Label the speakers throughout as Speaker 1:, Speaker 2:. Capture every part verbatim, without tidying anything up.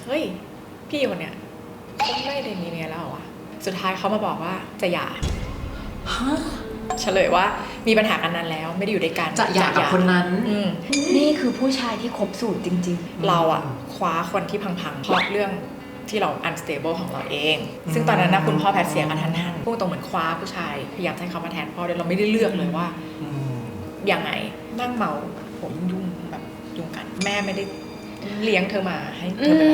Speaker 1: เฮ้ยพี่คนเนี้ยเขาไม่ได้มีเมียแล้วเหรอวะสุดท้ายเขามาบอกว่าจะหย่าเฉลยว่ามีปัญหากันนานแล้วไม่ได้อยู่ด้วยกัน
Speaker 2: จะหย่ากับคนนั้น
Speaker 3: นี่คือผู้ชายที่ครบสูตรจริง
Speaker 1: ๆเราอะคว้าคนที่พังๆเพราะเรื่องที่เรา unstable ของเราเองซึ่งตอนนั้นนะคุณพ่อแพทย์เสียกระทันหันพูดตรงเหมือนคว้าผู้ชายพยายามให้เขามาแทนพ่อโดยเราไม่ได้เลือกเลยว่ายังไงนั่งเมาผมยุ่งแบบยุ่งกันแม่ไม่ได้เลี้ยงเธอมาให้เธอเป็น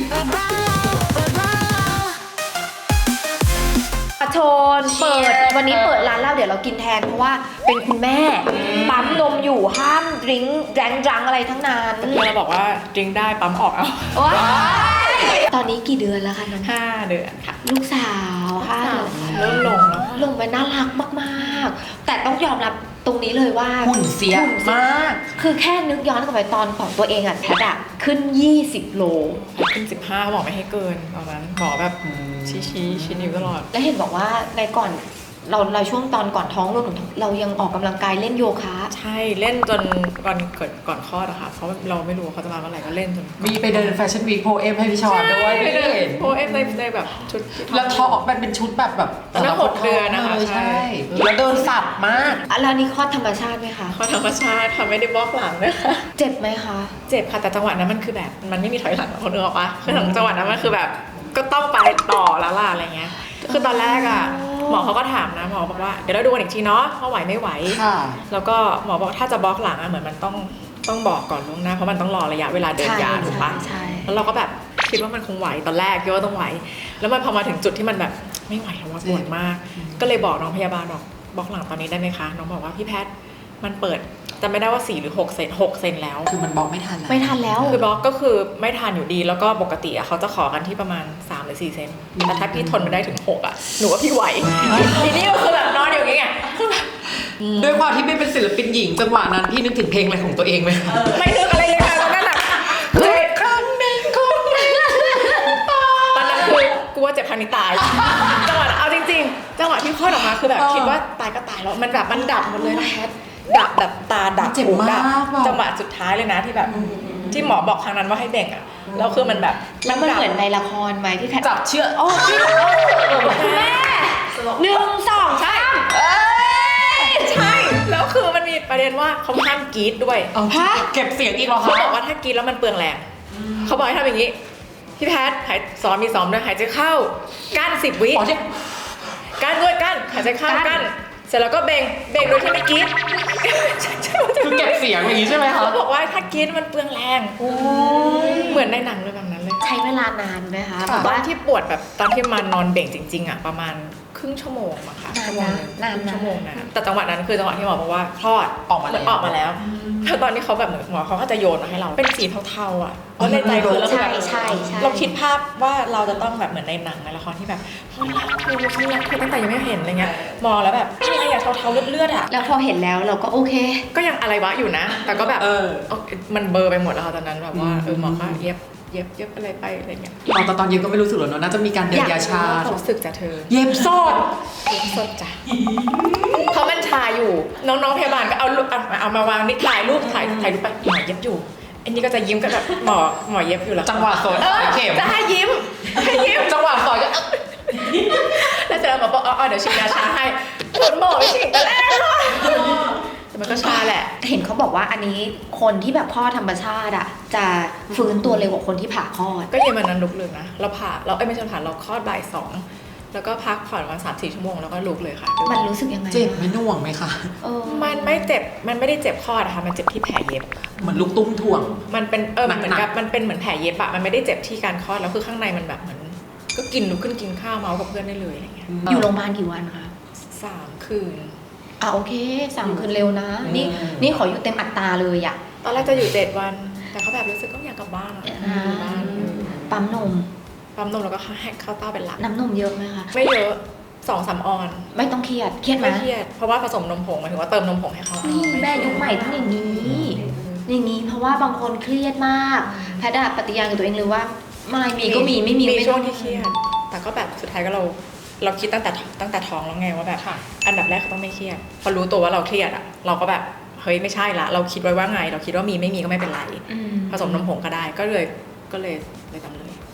Speaker 3: อาชนเปิดวันนี้เปิดร้านเหล้าเดี๋ยวเรากินแทนเพราะว่าเป็นคุณแม่ปั๊มนมอยู่ห้ามดื่มแรงดังอะไรทั้งนั้น
Speaker 1: เราบอกว่าดื่มได้ปั๊มออกเอา
Speaker 3: ตอนนี้กี่เดือนแล้วคะน้อง
Speaker 1: ห้าเดือนค่ะ
Speaker 3: ลูกสาวห้า
Speaker 1: เริ่มลงแล้ว
Speaker 3: ลงไปน่ารักมากๆแต่ต้องยอมรับตรงนี้เลยว่า
Speaker 2: หุ่นเสียมาก
Speaker 3: คือแค่นึกย้อนกลับไปตอนของตัวเองอ่ะแพทย์ขึ้นยี่สิบโล
Speaker 1: ขึ้นสิบห้าบอกไม่ให้เกินตอนนั้นหมอแบบชี้ชี้ชี้นิ้วตลอด
Speaker 3: แล้วเห็นบอกว่าในก่อนเราเราช่วงตอนก่อนท้องเราเรายังออกกำลังกายเล่นโยคะ
Speaker 1: ใช่เล่นจนก่อนเกิดก่อนคลอดอะค่ะเพราะเราไม่รู้เขาจะมาเมื่อไหร่ก็เล่นจน
Speaker 2: มีไปเดินแฟชั่นวีคโพเอมให้พี่ชอนด้วย
Speaker 1: ไปเดินโพเอมในในแบบชุด
Speaker 2: แล้วทอมันเป็นชุดแบบแบบ
Speaker 1: ตั้งหกเดือนนะคะ
Speaker 2: ใช่แล้วเดินสับมาก
Speaker 3: แล้วนี่คลอดธรรมชาติไหมคะ
Speaker 1: คลอดธรรมชาติค่ะไม่ได้บล็อกหลังนะคะ
Speaker 3: เจ็บไหมคะ
Speaker 1: เจ็บค่ะแต่จังหวะนั้นมันคือแบบมันไม่มีถอยหลังคนนึกออกปะคือหลังจังหวะนั้นมันคือแบบก็ต้องไปต่อแล้วล่ะอะไรเงี้ยคือตอนแรกอ่ะหมอเขาก็ถามนะหมอบอกว่าเดี๋ยวเราดูกันอีกทีเนาะว่าไหวไม่ไหวแล้วก็หมอบอกถ้าจะบล็อกหลังอ่ะเหมือนมันต้องต้องบอกก่อนล่วงหน้าเพราะมันต้องรอระยะเวลาเดินยาถูกปะแล้วเราก็แบบคิดว่ามันคงไหวตอนแรกคิดว่าต้องไหวแล้วมันพอมาถึงจุดที่มันแบบไม่ไหวแล้วว่าปวดมากก็เลยบอกน้องพยาบาลบอกบล็อกหลังตอนนี้ได้ไหมคะน้องบอกว่าพี่แพทย์มันเปิดจำไม่ได้ว่าสี่หรือหกเซนหกเซนแล้ว
Speaker 2: คือมันบล็อกไม่ทันแล้ว
Speaker 3: ไม่ทันแล้ว
Speaker 1: คือบล็อกก็คือไม่ทันอยู่ดีแล้วก็ปกติอ่ะเขาจะขอกันที่ประมาณสามหรือสี่เซนแต่ถ้าพี่ทนมาได้ถึงหกอ่ะหนูว่าพี่ไหวทีนี้ก็คือแบบนอนอยู่อย่างเงี้ย
Speaker 2: ด้วยความที่ไม่เป็นศิลปินหญิงจังหวะนั้นพี่นึกถึงเพลงอะไรของตัวเองไหม
Speaker 1: ไม่นึกอะไรเลยค่ะตอนนั้นอ่ะคือครั้งหนึ่งคนตอนนั้นคือกูว่าเจ็บพันนี้ตายจังหวะเอาจริงๆจังหวะที่คลอดออกมาคือแบบคิดว่าตายก็ตายแล้วมันแบบมันดับหมดเลยนะแพทดับแบบตาดับ
Speaker 2: เจ็บมาก
Speaker 1: จังหวะสุดท้ายเลยนะที่แบบที่หมอบอกครั้งนั้นว่าให้เบ่งอ่ะแล้วคือมันแบบ
Speaker 3: แล้วมันเหมือนในละครไหมที่แพท
Speaker 2: จับเชือก
Speaker 3: โอ้พี่แม่หนึ่งสองใช่
Speaker 1: ใช่แล้วคือมันมีประเด็นว่าเขาห้ามกรี๊ดด้วย
Speaker 2: ฮะเก็บเสียงอีกเหรอ
Speaker 1: เขาบอกว่าถ้ากรี๊ดแล้วมันเปลืองแรงเขาบอกให้ทำอย่างนี้พี่แพทย์หายซ้อมมีซ้อมด้วยหายใจเข้ากั้นสิบวิกั้นด้วยกั้นหายใจเข้ากั้นเสร็จแล้วก็เบ่งเบ่งโดยที่ไม่กรี๊ด
Speaker 2: คือเก็บเสียงอย่างนี้ใช่ไหมคะ
Speaker 1: เขาบอกว่าถ้ากรี๊ดมันเปลืองแรงเหมือนในหนังเลยแบบนั้นเลย
Speaker 3: ใช้เวลานานไหมคะ
Speaker 1: ตอนที่ปวดแบบตอนที่มานอนเบ่งจริงๆอ่ะประมาณครึ่งชั่วโมงอะค่ะ
Speaker 3: นานนาน
Speaker 1: ชั่วโมงนะแต่จังหวะนั้นคือจังหวะที่หมอบอกว่าคลอด
Speaker 2: ออกมาแล้ว
Speaker 1: ออกมาแล้วแล้วตอนนี้เขาแบบเหมือนหมอเขาก็จะโยนมาให้เราเป็นสีเทาๆอ่ะเพราะในใจเราเราแบบเราคิดภาพว่าเราจะต้องแบบเหมือนในหนังในละครที่แบบรักคือฉันรักคือตั้งแต่ยังไม่เห็นอะไรเงี้ยมองแล้วแบบอะไรอย่างเทาๆเลือดๆอ่ะ
Speaker 3: แล้วพอเห็นแล้วเราก็โอเค
Speaker 1: ก็ยังอะไรวะอยู่นะแต่ก็แบบมันเบอร์ไปหมดแล้วตอนนั้นแบบว่าเออหมอก็เย็บเย็บเย็บอะไรไปอะไรเงี้ย
Speaker 2: ตอนตอนเย็บก็ไม่รู้สึกหรอกเนาะน่าจะมีการเดินยาชา
Speaker 1: รู้สึกจากเธอ
Speaker 2: เย็บสด
Speaker 1: เย็บสดจ้ะเพราะมันชาอยู่น้องๆพยาบาลก็เอาเอามาวางนี่ถ่ายรูปถ่ายถ่ายรูปไปหมอเย็บอยู่อันนี้ก็จะยิ้มกันแบบหมอหมอเย็บอยู่แล้ว
Speaker 2: จังหวะสดเข็ม
Speaker 1: จะให้ยิ้มให้ยิ้ม
Speaker 2: จังหวะสดก็
Speaker 1: แล้วเสร็จแล้วหมอบอกอ๋อเดี๋ยวฉีดยาชาให้หมอไม่ฉีดแต่แรกแต่มันก็ชาแหละ
Speaker 3: เห็นเขาบอกว่าอันนี้คนที่แบบคลอดธรรมชาติอ่ะจะฟื้นตัวเร็วกว่าคนที่ผ่าคลอด
Speaker 1: ก็เย็นวันนั้นลุกเลยนะเราผ่าเราเอ้ยไม่ใช่ผ่าเราคลอดบ่ายสองแล้วก็พักผ่อนวันสามสี่ชั่วโมงแล้วก็ลุกเลยค่ะ
Speaker 3: มันรู้สึกยังไง
Speaker 2: เจ็บไหมน่วงไหมคะ
Speaker 1: มันไม่เจ็บมันไม่ได้เจ็บคลอดนะคะมันเจ็บที่แผลเย็บ
Speaker 2: เหมือนลูกตุ้มถ่วง
Speaker 1: มันเป็นเออเหมือนกับมันเป็นเหมือนแผลเย็บอะมันไม่ได้เจ็บที่การคลอดแล้วคือข้างในมันแบบเหมือนก็กินลุกขึ้นกินข้าวเมากับเพื่อนได้เลยอะไรเงี้ย
Speaker 3: อยู่โรงพยาบาลกี่วันคะ
Speaker 1: สามคืน
Speaker 3: อ่ะโอเคสามคืนเร็วนะนี่นี่ขออยู่เต็มอัตราเลยอะ
Speaker 1: ตอนแรกจะอยู่เจ็ดวันแต่เขาแบบรู้สึกก็อยากกลับบ้านอะอยู่บ้าน
Speaker 3: ปั๊มนม
Speaker 1: ปั๊มนมแล้วก็ให้ข้าวเต้าเป็นหลัก
Speaker 3: น้ำนมเยอะไหมคะ
Speaker 1: ไม่เยอะสองสามออน
Speaker 3: ไม่ต้องเครียดเครียดไหม
Speaker 1: ไม่เครียดเพราะว่าผสมนมผงหมายถึงว่าเติมนมผงให้เขา
Speaker 3: นี่แม่ยุคใหม่ต้องอย่างนี้อย่างนี้เพราะว่าบางคนเครียดมากแพทย์ปฏิญาณกับตัวเองเลยว่าไม่มีก็มีไม่มี
Speaker 1: มีช่วงที่เครียดแต่ก็แบบสุดท้ายก็เราเราคิดตั้งแต่ตั้งแต่ท้องแล้วไงว่าแบบอันดับแรกเขาต้องไม่เครียดพอรู้ตัวว่าเราเครียดอ่ะเราก็แบบเฮ้ยไม่ใช่ละเราคิดไว้ว่าไงเราคิดว่ามีไม่มีก็ไม่เป็นไรผสมนมผงก็ได้ก็เลยก็เลยเลยทำเลย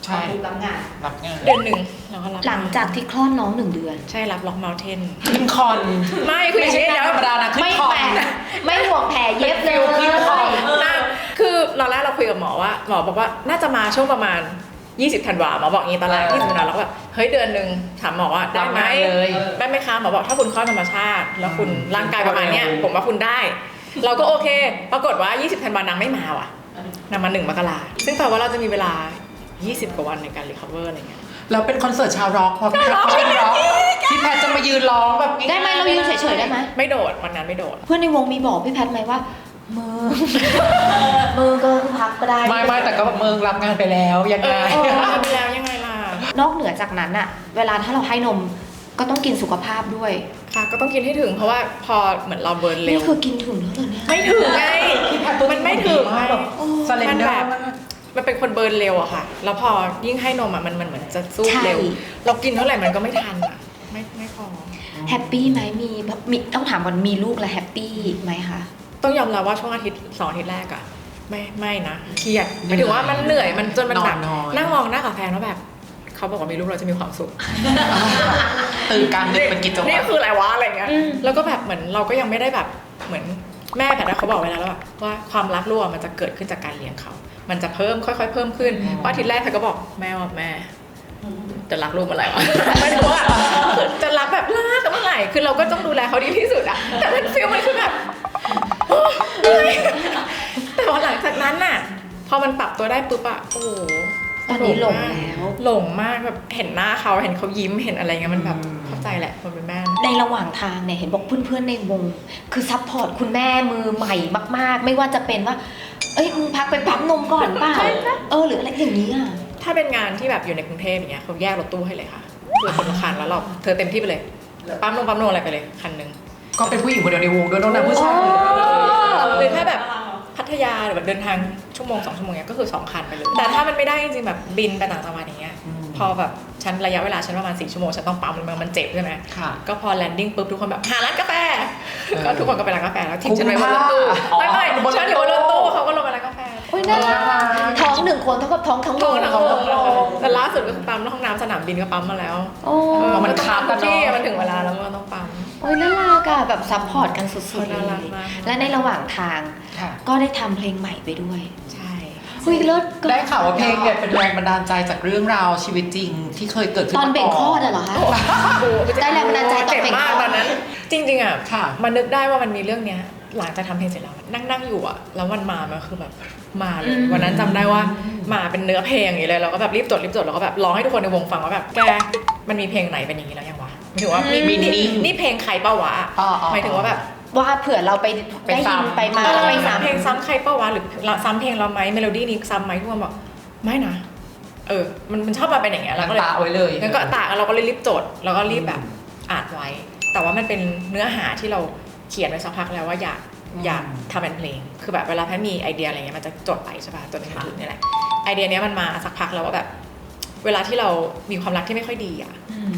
Speaker 2: ใช่
Speaker 3: ถูกรับงาน
Speaker 2: รับงาน
Speaker 1: เดือนหนึ่งเราก็รับ
Speaker 3: หลังจากที่คลอดน้องหนึ่งเดือน
Speaker 1: ใช่รับล็อกเมลเทน
Speaker 2: ขึ้นคอน
Speaker 1: ไม่คืออย่างนี้
Speaker 2: ไม่ใช่
Speaker 1: เดี๋ยว
Speaker 2: ธรรมดานะขึ้น
Speaker 3: ไม่
Speaker 2: คอน
Speaker 3: แปลกไม่ห่วงแผลเย็บเลย
Speaker 2: ขึ้นคอน
Speaker 1: นะคือตอนแรกเราคุยกับหมอว่าหมอบอกว่าน่าจะมาช่วงประมาณยี่สิบธันวาหมอบอกงี้ตอนแรกยี่สิบธันวาเราก็แบบเฮ้ยเดือนหนึ่งถามหมอว่าได้ไหม
Speaker 2: รับงานเลย
Speaker 1: ได้ไหมคะหมอบอกถ้าคุณคลอดธรรมชาติ แล้วคุณร่างกายประมาณเนี้ยผมว่าคุณได้ เราก็โอเค ปรากฏว่ายี่สิบธันวานางไม่มาว่ะนางมาหนึ่งมกราซึ่งแปลว่าเราจะมีเวลายี่สิบกว่าวันในการรีคอเวอร์อะไรเงี้ย
Speaker 2: แล้วเป็นคอนเสิร์ตชาวร็อกพอพี่แพทเขาเป็นร็อกพี่แพทจะมายืนร้องแบบง่ายๆ
Speaker 3: ได้ไหมเรายืนเฉยๆได้ไหม
Speaker 1: ไม่โดดวันนั้นไม่โดด
Speaker 3: เพื่อนในวงมีบอกพี่แพทย์ไหมว่ามือ มือก็พักก็ได้
Speaker 2: ไม่ไม่แต่ก็แบบเมืองรับงานไปแล้วยัง
Speaker 1: เอ
Speaker 2: ไง
Speaker 1: อทำไปแล้วยังไงล่ะ
Speaker 3: นอกเหนือจากนั้นอะเวลาถ้าเราให้นมก็ต้องกินสุขภาพด้วย
Speaker 1: ค่ะก็ต้องกินให้ถึงเพราะว่าพอเหมือนเราเบิร์นเร็
Speaker 3: นี่
Speaker 1: ว
Speaker 3: คือกินถึงแล้วเหรอเนี่ย
Speaker 1: ไม่ถึงไงมันไม่ถึงไง
Speaker 2: สเลนเดอร์
Speaker 1: มันเป็นคนเบิร์นเร็วอะค่ะ แล้วพอยิ่งให้นมอะมันมันเหมือนจะสู้เร็ว เรากินเท่าไหร่มันก็ไม่ทันอะไม่ไม่พอ
Speaker 3: แฮปปี้ไหมมีมีต้องถามก่อนมีลูกแล้วแฮปปี้ไหมคะ
Speaker 1: ต้องยอมรับว่าช่วงอาทิตย์สองอาทิตย์แรกอะไม่ไม่นะเครียดหมายถึงว่ามันเหนื่อยมันจนมันแบบ
Speaker 2: นอนน้อย
Speaker 1: นั่งมองหน้ากับแฟนว่าแบบเขาบอกว่ามีลูกเราจะมีความสุข
Speaker 2: ตื่นกลางดึกเป็นกิจวั
Speaker 1: นี่
Speaker 2: ตร
Speaker 1: คืออะไรวะอะไรเงี้ย
Speaker 3: อืม
Speaker 1: แล้วก็แบบเหมือนเราก็ยังไม่ได้แบบเหมือนแม่แพทย์เขาบอกไว้แล้วว่าว่าความรักลูกอะมันจะเกิดขึ้นจากการเลี้ยงเขา มันจะเพิ่มค่อยๆเพิ่มขึ้นเพราะอาทิตย์แรกแพทย์ก็บอกแม่ว่าแม่จะรักลูกเมื่อไหร่วะ ไม่รู้อะคือจะรักแบบรักเมื่อไหร่คือเราก็ต้องดูแลเขาดีที่สุดอะแต่มันฟีลมันคือแบบโอ๊ยเหนื่อยแต่พอหลังจากนั้นน่ะพอมันปรับตัวได้ปุ๊บอะโอ้โห
Speaker 3: ตอนนี้หลงแล้ว
Speaker 1: หลงมากแบบเห็นหน้าเขาเห็นเขายิ้มเห็นอะไรเงี้ยมันแบบเข้าใจแหละคนเป็นแม่
Speaker 3: ในระหว่างทางเนี่ยเห็นบอกเพื่อนๆในวง คือซัพพอร์ตคุณแม่มือใหม่มากๆ ไม่ว่าจะเป็นว่า เอ้ยมึงพักไปปั๊มนมก่อนเปล่าเออหรืออะไรอย่างนี้อ่ะ
Speaker 1: ถ้าเป็นงานที่แบบอยู่ในกรุงเทพอย่างเงี้ยเขาแยกรถตู้ให้เลยค่ะคือคนละคันแล้วเราเธอเต็มที่ไปเลยปั๊มนมปั๊มนมอะไรไปเลยคันหนึง
Speaker 2: ก็เป็นผู้หญิงคนเดียวในวงด้วยน้องน้ำผู้ชาย
Speaker 1: หรือถ้าแบบพัทยาหรือแบบเดินทางชั่วโมงสองชั่วโมงเนี้ยก็คือสองคันไปเลยแต่ถ้ามันไม่ได้จริงๆแบบบินไปต่างจังหวัดอย่างเงี้ยพอแบบฉันระยะเวลาฉันประมาณสี่ชั่วโมงฉันต้องปั๊มมันมันเจ็บใช่ไหม
Speaker 2: ค่ะ
Speaker 1: ก็พอแลนดิ้งปุ๊บทุกคนแบบหาร้านกาแฟ
Speaker 2: เออ
Speaker 1: ก็ทุกคนก็ไปร้านกาแฟแล้วทิ้งฉันไว้บนรถตู้
Speaker 2: อ๋อ
Speaker 1: ไม่ไม่
Speaker 2: บนรถตู้
Speaker 1: ฉันอยู่บนรถตู้เขาก็ลงไปร้านกาแฟ
Speaker 3: โอ้ยน่ารักท้องหนึ่งคนเท่ากับท้องทั้งว
Speaker 1: โท
Speaker 3: ง
Speaker 1: รทั้งวงแต่ล่าสุดก็คือปั๊มห้องน้ำสนามบินก็ปั๊มมาแล้ว
Speaker 3: โอ้
Speaker 1: เออ
Speaker 2: มันคับกันเนอะ
Speaker 1: ที่มันถึงเวลาแล้วมันต้องปั๊ม
Speaker 3: โอ้ยน่ารักอะแบบซัพพอร์ตกันสุดๆเล
Speaker 1: น่ารัก
Speaker 3: ย
Speaker 1: มาก
Speaker 3: และในระหว่างทาง
Speaker 2: ค่ะ
Speaker 3: ก็ได้ทำเพลงใหม่ไปด้วย
Speaker 1: ใช่
Speaker 3: เฮ้ยเลิศก็
Speaker 2: ได้ข่าวว่าเพลงเนี่ยเป็นแรงบันดาลใจจากเรื่องราวชีวิตจริงที่เคยเกิดขึ้น
Speaker 3: ตอน
Speaker 2: มา
Speaker 3: เบ่งคลอด
Speaker 2: ก่
Speaker 3: อะเหรอคะ
Speaker 1: โอ้โห
Speaker 3: ได้แรงบันดาลใจตอน
Speaker 1: เจ็บ
Speaker 3: เบ่ง
Speaker 1: มาก
Speaker 3: คลอด
Speaker 1: ตอนนั้น จริงๆอ่ะ
Speaker 2: ค่ะ
Speaker 1: มันนึกได้ว่ามันมีเรื่องเนี้ยหลังจากทำเพลงเสร็จแล้วนั่งนั่งอยู่อ่ะแล้วมันมามันคือแบบมาเลยวันนั้นจำได้ว่ามาเป็นเนื้อเพลงอย่างนี้เลยเราก็แบบรีบจดรีบจดแล้วก็แบบร้องให้ทุกคนในวงฟังว่าแบบแกมันมีเพลงไหนเป็นอย่างนี้แล้วยังวะหมายถึงว่ามีมีนี่นี่เพลงใครเป้าวะ
Speaker 2: อ๋ออ๋อ
Speaker 1: หมายถึงว่าแบบ
Speaker 3: ว่าเผื่อเราไป
Speaker 2: ไป
Speaker 3: ได้ยิน
Speaker 2: ซ้ำ
Speaker 3: ไปมาแล้วไปซ้ำ
Speaker 1: เพลงซ้ำใครเป้าวะหรือซ้ำเพลงเราไหมเมโลดี้นี้ซ้ำไหมทุกคนบอกไม่นะเออมันมันชอบมาเป็นอย่างเงี้ยเราก็เลย
Speaker 2: ตาไว้เลย
Speaker 1: งั้นก็ตากเราก็เลยรีบจดแล้วก็รีบแบบอ่านไว้ แต่ว่ามันเป็นเนื้อหาที่เราเขียนไว้สักพักแล้วว่าอยากอยากทำเป็นเพลงคือแบบเวลาแพทย์มีไอเดียอะไรเงี้ยมันจะจดไปใช่ป่ะจนถึงจุดนี้แหละไอเดียเนี้ยมันมาสักพักแล้วว่าแบบ เวลาที่เรามีความรักที่ไม่ค่อยดีอ่ะ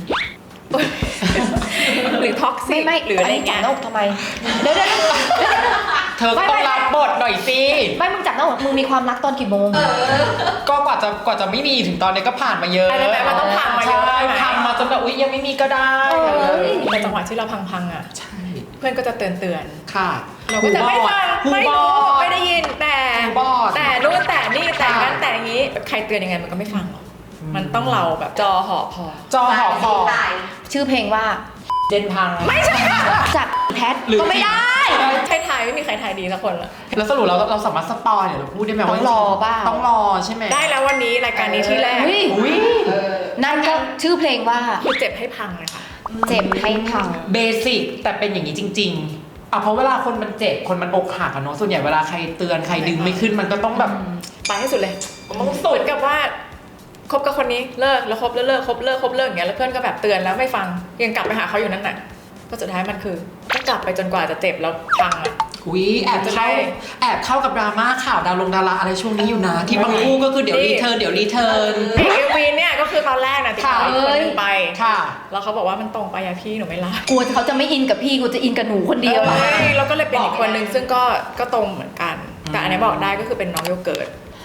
Speaker 1: หรือท็อกซิ
Speaker 3: ไม่
Speaker 1: ก
Speaker 3: ไม่
Speaker 1: หรืออะไร
Speaker 3: จับ
Speaker 1: เงี้ย
Speaker 3: หน้าอกทำไมเดี๋ยวเดี๋ยวเดี๋ยว
Speaker 2: เธอก็ต้องรับบทหน่อยสิ
Speaker 3: ไม่มึงจับหน้าอกมึงมีความรักตอนกี่โมง
Speaker 2: ก็กว่าจะกว่าจะไม่มีถึงตอนนี้ก็ผ่านมาเยอะ
Speaker 1: อันนั้นแปลว่าต้องพังมาเยอะ
Speaker 2: ใช่
Speaker 1: ใช่ไหม
Speaker 2: พังมาจนแบบอุ๊ยยังไม่มีก็ได้
Speaker 3: เออ
Speaker 1: ในจังหวะที่เราพังๆอ่ะ
Speaker 2: ใช่
Speaker 1: เพื่อนก็จะเตือนเตือน
Speaker 2: ค่ะ
Speaker 1: ๆเราก็จะไม่ฟัง
Speaker 2: หูบ
Speaker 1: ไม่
Speaker 2: อ
Speaker 1: รู้
Speaker 2: ด
Speaker 1: ไม่ได้ยินแต่
Speaker 2: หูบอด
Speaker 1: แต่นู่นแต่นี่แต่
Speaker 2: ค่ะ
Speaker 1: งั้นแต่งี้ใครเตือนยังไงมันก็ไม่ฟังหรอกมันต้องเราแบบจอหอพอ
Speaker 2: จอหอพอ
Speaker 3: ชื่อเพลงว่า
Speaker 2: เจนพัง
Speaker 1: ไม่ใช่
Speaker 3: จากแพท
Speaker 2: หรือ
Speaker 3: ก็ไม่ได้
Speaker 1: ใช่ไทยไม่มีใครไทยดีสักคนละ
Speaker 2: แล้วสรุปเราเราสามารถสปอยเดี๋ยวเราพูดได้ไหม
Speaker 3: ต้
Speaker 2: ว่า
Speaker 3: องรอเปล่า
Speaker 2: ต้องรอใช่ไหม
Speaker 1: ได้แล้ววันนี้รายการนี้ที่แรก
Speaker 3: อุ้ย
Speaker 2: อุ้ย
Speaker 3: นั่นก็ชื่อเพลงว่า
Speaker 1: คือเจ็บให้พังเลยค่ะ
Speaker 3: เจ็บให้พัง
Speaker 2: เบสิกแต่เป็นอย่างนี้จริงๆอ่ะเพราะเวลาคนมันเจ็บคนมันอกหักอะเนาะส่วนใหญ่เวลาใครเตือนใครดึงไม่ขึ้นมันก็ต้องแบบ
Speaker 1: ไปให้สุดเลยต้องสุดกับว่าคบกับคนนี้เลิกแล้วคบแล้วเลิกคบเลิกคบเลิกอย่างเงี้ยแล้วเพื่อนก็แบบเตือนแล้วไม่ฟังยังกลับไปหาเขาอยู่นั่นน่ะก็สุดท้ายมันคือก็กลับไปจนกว่าจะเจ็บแล้วพังอ่ะ
Speaker 2: อุ้ยแอบ
Speaker 1: จะได้
Speaker 2: เข้าแอบเข้ากับดราม่าข่าวดาวลงดาราอะไรช่วงนี้อยู่นะ ที่บางคู่ก็คือเดี๋ยว
Speaker 1: นี่
Speaker 2: รีเทิร์นเดี๋ยวรีเทิร์น
Speaker 1: เพลงเอ็มวีเนี่ยก็คือตอนแรกนะติดต่ออีกคนนึงไป
Speaker 2: ค่ะ
Speaker 1: แล้วเขาบอกว่ามันตรงไปอะพี่หนูไม่รับ
Speaker 3: กลัวเขาจะไม่อินกับพี่กูจะอินกับหนูคนเดียว
Speaker 1: เออแล้วก็เลยเป็นอีกคนนึงซึ่งก็ก็ตรงเหมือนกัน แต่อันนี้บอกได้ก็คือเป็นน้องโยเกิร์ต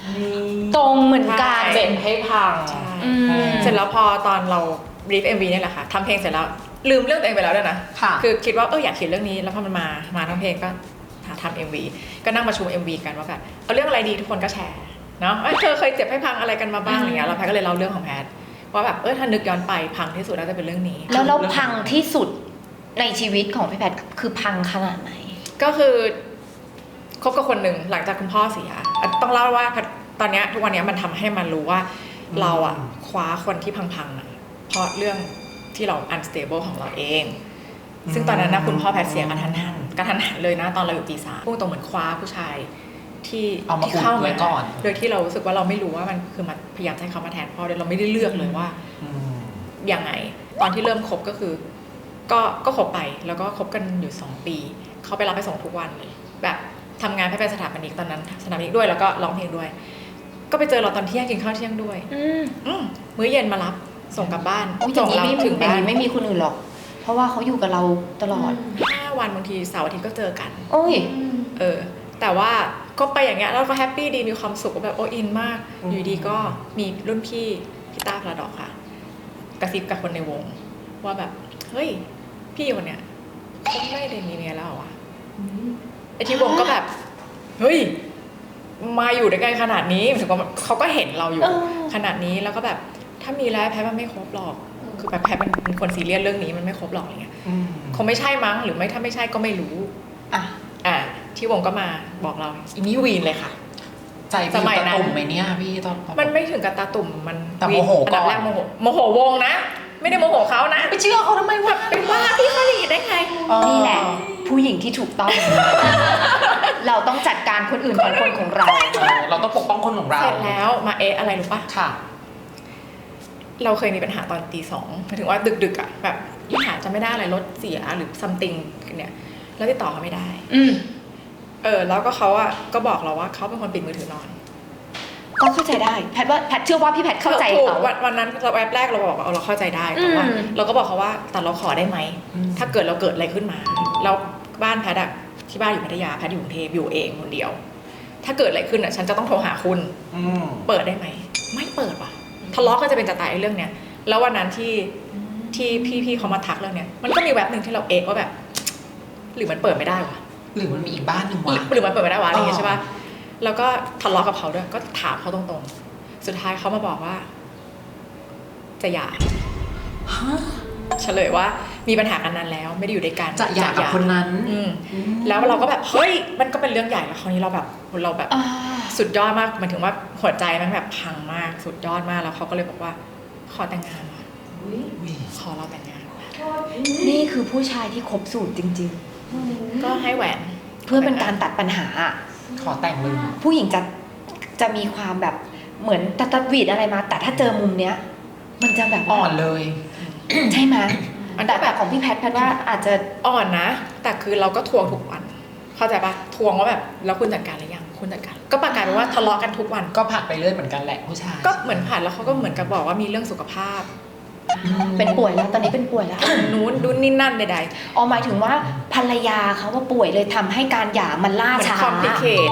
Speaker 3: ตรงเหมือนกัน
Speaker 2: เจ็บให้พัง
Speaker 1: ใช่
Speaker 3: อืม
Speaker 1: เสร็จแล้วพอตอนเราบรีฟ เอ็ม วี เนี่ยแหละค่ะทำเพลงเสร็จแล้วลืมเรื่องตัวเองไปแล้วด้วยนะ
Speaker 2: ค่ะ
Speaker 1: คือคิดว่าเอออยากเขียนเรื่องนี้แล้วพอมันมามาทั้งเพลงก็หาทำเอ็มวีก็นั่งประชุม เอ็ม วี กันว่าแบบเอาเรื่องอะไรดีทุกคนก็แชร์เนาะเอ้ยเธอเคยเจ็บให้พังอะไรกันมาบ้างอะไรเงี้ยแล้วแพทก็เลยเล่าเรื่องของแพทว่าแบบเออถ้านึกย้อนไปพังที่สุดน่าจะเป็นเรื่องนี้
Speaker 3: แล้วเราพังที่สุดในชีวิตของพี่แพทคือพังขนาดไหน
Speaker 1: ก็คือคบกับคนหนึ่งหลังจากคุณพ่อเสียอ่ะต้องเล่าว่าตอนเนี้ยทุกวันเนี้ยมันทำให้มันรู้ว่าเราอะคว้าคนที่พังๆอะเพราะเรื่องที่เรา unstable ของเราเอง ซึ่งตอนนั้นนะคุณพ่อแพทย์เสียกระทันหันกระทันหันเลยนะตอนเราอยู่ปีสามพูดตรงเหมือนคว้าผู้ชายที่
Speaker 2: เอามา
Speaker 1: ที่เข้า
Speaker 2: อุดไว้
Speaker 1: มา
Speaker 2: ก่อน
Speaker 1: โดยที่เรารู้สึกว่าเราไม่รู้ว่ามันคือมันพยายามจะให้เขามาแทนพ่อโดยเราไม่ได้เลือกเลยว่า
Speaker 2: อืม
Speaker 1: ยังไงตอนที่เริ่มคบก็คือ ก็ก็คบไปแล้วก็คบกันอยู่สองปีเขาไปรับไปส่งทุกวันเลยแบบทำงานให้เป็นสถาปนิกตอนนั้นสถาปนิกด้วยแล้วก็ร้องเพลงด้วย ก็ไปเจอเราตอนเที่ยงกินข้าวเที่ยงด้วย
Speaker 3: อืม
Speaker 1: อืมมื้อเย็นมารับส่งกลับบ้าน
Speaker 3: โอ้ยอ
Speaker 1: ส่
Speaker 3: ย่าง งนี้
Speaker 1: เรา
Speaker 3: ไม่
Speaker 1: ถึง
Speaker 3: อย่าง
Speaker 1: บ้าน
Speaker 3: นี้ไม่มีคนอื่นหรอก เพราะว่าเขาอยู่กับเราตลอด
Speaker 1: ห้าวันบางทีเสาร์อาทิตย์ก็เจอกัน
Speaker 3: โอ้ย
Speaker 1: เออแต่ว่าก็ไปอย่างเงี้ยแล้วก็แฮปปี้ดีมีความสุขแบบโออินมาก
Speaker 2: อืม
Speaker 1: อยู่ดีก็มีรุ่นพี่พี่ต้าพลาดอกค่ะ กระซิบกับคนในวง ว่าแบบเฮ้ยพี่คนเนี้ยเขาไม่ได้มีเมียแล้วเหรอวะไอที่วงก็แบบเฮ้ยมาอยู่ด้วยกันขนาดนี้ถึงว่าเขาก็เห็นเราอยู่
Speaker 3: เออ
Speaker 1: ขนาดนี้แล้วก็แบบถ้ามีแล้วแพ้มันไม่ครบหรอกคือแบบแพ้มันเป็นคนซีเรียสเรื่องนี้มันไม่ครบหรอกอะไรเงี้ย
Speaker 2: อืม
Speaker 1: คงไม่ใช่มั้งหรือไม่ถ้าไม่ใช่ก็ไม่รู้
Speaker 3: อ่ะ
Speaker 1: อ่ะที่วงก็มาบอกเราอินี่วีนเลยค่ะ
Speaker 2: ใจพี่
Speaker 1: สมัย
Speaker 2: ตะ
Speaker 1: นั้น
Speaker 2: ตุ่มไหมเนี่ยพี่ตอน
Speaker 1: มันไม่ถึงกับตาตุ่มมัน
Speaker 2: แต่โมโห
Speaker 1: อันดับ
Speaker 2: ก่อน
Speaker 1: แรกโมโหโมโหวงนะ ไม่ได้โมโหเขานะ
Speaker 2: ไปเชื่อเขาทำไมวะ
Speaker 1: เป็นว่าพี่เขาหลีได้ไง
Speaker 3: นี่แหละ ผู้หญิงที่ถูกต้อง เราต้องจัดการคนอื่นของคนของเรา
Speaker 2: เออเราต้องปกป้องคนของเรา
Speaker 1: เสร็จแล้วมาเอะอะไรรู้ปะ
Speaker 2: ค่ะ
Speaker 1: เราเคยมีปัญหาตอนตีสองหมายถึงว่าดึกๆอ่ะแบบปัญหาจะไม่ได้อะไรรถเสียหรือซัมติงเนี่ยแล้วติดต่อเขาไม่ได้
Speaker 3: อืม
Speaker 1: เออแล้วก็เขาอ่ะก็บอกเราว่าเขาเป็นคนปิดมือถือนอน
Speaker 3: ก็เข้าใจได้ แพทว่าแพทเชื่อว่าพี่แพทเข้าใจ
Speaker 1: ถูก
Speaker 3: เขา
Speaker 1: วันวันนั้นเราแวบแรกเราบอกว่าเอาเราเข้าใจได้แต่ว่า
Speaker 3: อืม
Speaker 1: เราก็บอกเขาว่าแต่เราขอได้ไหม
Speaker 2: อืม
Speaker 1: ถ้าเกิดเราเกิดอะไรขึ้นมาแล้วบ้านแพทย์อะที่บ้านอยู่พัทยาแพทย์อยู่กรุงเทพอยู่เองคนเดียว ถ้าเกิดอะไรขึ้นอะฉันจะต้องโทรหาคุณ
Speaker 2: อืม
Speaker 1: เปิดได้ไหมไม่เปิดว่ะทะเลาะก็จะเป็นจะตายไอ้เรื่องเนี้ยแล้ววันนั้นที่ที่พี่ๆเขามาทักเรื่องเนี้ยมันก็มีแว็บหนึ่งที่เราเอะว่าแบบ หรือมันเปิดไม่ได้วะ
Speaker 2: หรือมันมีอีกบ้านหนึ่งวะ
Speaker 1: หรือมันเปิดไม่ได้วะอะไรอย่างเงี้ย
Speaker 2: อ๋อ
Speaker 1: ใช่ป่ะแล้วก็ทะเลาะกับเขาด้วยก็ถามเขาตรงๆ สุดท้ายเขามาบอกว่า จะหย่า
Speaker 2: ฮะ
Speaker 1: เฉลยว่ามีปัญหากันนานแล้วไม่ได้อยู่ด้วยกัน
Speaker 2: จะหย่ากับคนนั้น
Speaker 1: อืมแล้วเราก็แบบเฮ้ยมันก็เป็นเรื่องใหญ่แล้วคราวนี้เราแบบเราแบบ
Speaker 3: อ่า
Speaker 1: สุดยอดมากหมายถึงว่าหัวใจมันแบบพังมากสุดยอดมากแล้วเขาก็เลยบอกว่า ขอแต่งงานว่ะ
Speaker 2: อุ๊ย
Speaker 1: ขอเราแต่งงานว่ะ
Speaker 3: นี่คือผู้ชายที่ครบสูตรจริง
Speaker 1: ก็ให้แหวน
Speaker 3: ๆ เพื่อเป็นการตัดปัญหา
Speaker 2: ขอแต่งเลย
Speaker 3: ผู้หญิงจะจะมีความแบบเหมือนตัดตัดหวีดอะไรมา แต่ถ้าเจอมุมเนี้ย มันจะแบบว่า
Speaker 2: อ่อนเลย
Speaker 3: ใช่ไหม
Speaker 1: มัน
Speaker 3: แต่
Speaker 1: ก็
Speaker 3: แบ
Speaker 1: แบบ บ
Speaker 3: ของพี่แพทย์แพทย์ว่าอาจจะ
Speaker 1: อ่อนนะ แต่คือเราก็ทวงทุกวัน เข้าใจปะทวงว่าแบบแล้วคุณจัดการหรือยังคุณจัดการ ก็ประกาศไปว่าทะเลาะกันทุกวัน
Speaker 2: ก็ผัดไปเรื่อยเหมือนกันแหละผู้ชาย
Speaker 1: ก็เหมือนผ่านแล้วเขาก็เหมือนกับบอกว่ามีเรื่องสุขภาพ
Speaker 2: อืม
Speaker 3: เป็นป่วยแล้วตอนนี้เป็นป่วยแล้ว
Speaker 1: นู้นดูนี่นั่นใด
Speaker 3: อ๋อหมายถึงว่าภรรยาเขาว่าป่วยเลยทำให้การหย่ามันล่า
Speaker 1: ๆเหมือน
Speaker 3: ช้า
Speaker 1: complicate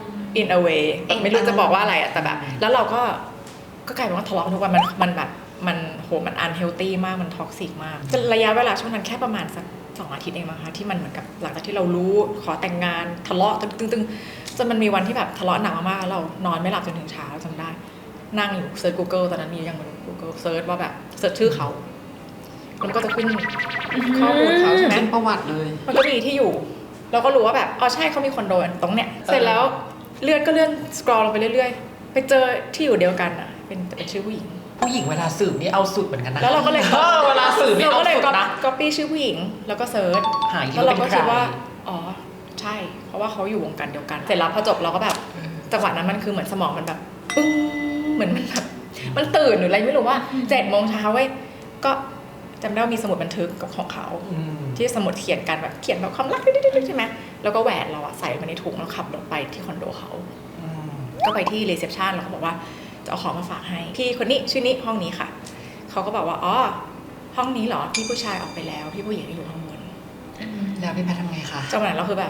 Speaker 1: in a way
Speaker 3: เอ๊ะ
Speaker 1: ไม่รู้จะบอกว่าอะไรอะแต่แบบ แล้วเราก็ก็กลายเป็นว่าทะเลาะกันทุกวันมันมันแบบมันโหมัน unhealthy มากมัน toxic มากจะระยะเวลาช่วงนั้นแค่ประมาณสักสองอาทิตย์เองมั้งคะที่มันเหมือนกับหลังจากที่เรารู้ขอแต่งงานทะเลาะตึงๆจนมันมีวันที่แบบทะเลาะหนักมากๆแล้วเรานอนไม่หลับจนถึงเช้าจำได้ นั่งอยู่เซิร์ช Google ตอนนั้นมียังบน Google เซิร์ชว่าแบบเซิร์ชชื่อเขามันก็จะขึ้นข้อมูลเขาใช่ไหม
Speaker 2: เป็นประวัติเลย
Speaker 1: มันก็มีที่อยู่ เราก็รู้ว่าแบบอ๋อใช่เขามีคอนโดตรงเนี้ยเสร็จแล้วเลื่อนก็เลื่อนสครอลลงไปเรื่อยๆ ไปเจอที่อยู่เดียวกันอ่ะ เป็นแต่เป็นชื่อผู้หญิง
Speaker 2: ผู้หญิงเวลาสืบนี่เอาสุดเหมือนกันนะ
Speaker 1: แล้วเราก็เลย
Speaker 2: เออเวลาสืบนี่
Speaker 1: เรา
Speaker 2: เอา
Speaker 1: ก็เลย
Speaker 2: สุดนะ
Speaker 1: ก๊อปปี้ชื่อผู้หญิง แล้วก็เซิร์ช
Speaker 2: หาย
Speaker 1: แล้วเราก็
Speaker 2: เป็นใค
Speaker 1: คิดว่าอ๋อใช่ เพราะว่าเขาอยู่วงการเดียวกัน เสร็จแล้วพอจบเราก็แบบจังหวะนั้นมันคือเหมือนสมองมันแบบปึ้งเหมือนมันแบบมันตื่นหรืออะไรไม่รู้ว่าเจ็ดโมงเช้าเว้ยก็จำได้ว่ามีสมุดบันทึกกับของเขา
Speaker 2: อืม
Speaker 1: ที่สมุดเขียนกันแบบเขียนแบบความรักดิ๊ดๆๆใช่ไหมแล้วก็แหวนเราอะใส่มาในถุงแล้วขับรถไปที่คอนโดเขา
Speaker 2: อืม
Speaker 1: ก็ไปที่รีเซพชันแล้วเขาบอกว่าจะเอาของมาฝากให้พี่คนนี้ชื่อนี้ห้องนี้ค่ะเขาก็บอกว่าอ๋อห้องนี้เหรอพี่ผู้ชายออกไปแล้วพี่ผู้หญิงอยู่ห้องบน
Speaker 2: แล้วพี่แพทย์ทำไงคะ
Speaker 1: จังหวะนั้นเราคือแบบ